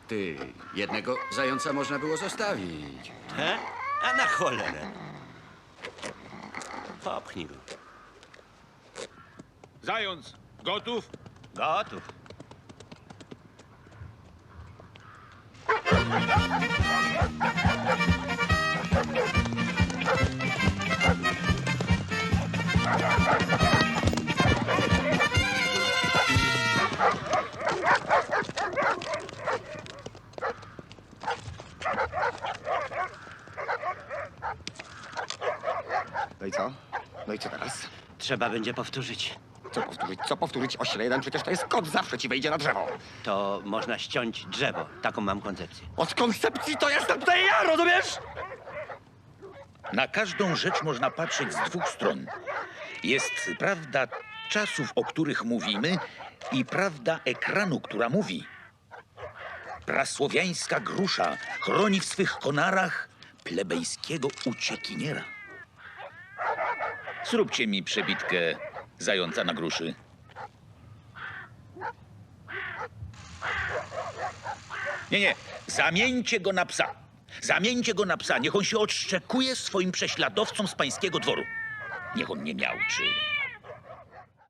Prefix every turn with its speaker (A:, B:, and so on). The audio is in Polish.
A: Ty, jednego zająca można było zostawić.
B: He? A na cholerę. Popchnij go.
C: Zając, gotów?
B: Gotów.
D: No i co? No i co teraz?
B: Trzeba będzie powtórzyć.
D: Co powtórzyć? Co powtórzyć? Ośle jeden, przecież to jest kot, zawsze ci wejdzie na drzewo.
B: To można ściąć drzewo. Taką mam koncepcję.
D: Od koncepcji to jestem tutaj ja, rozumiesz?
E: Na każdą rzecz można patrzeć z dwóch stron. Jest prawda czasów, o których mówimy, i prawda ekranu, która mówi. Prasłowiańska grusza chroni w swych konarach plebejskiego uciekiniera. Zróbcie mi przebitkę zająca na gruszy. Nie, zamieńcie go na psa. Zamieńcie go na psa. Niech on się odszczekuje swoim prześladowcom z pańskiego dworu. Niech on nie miałczy.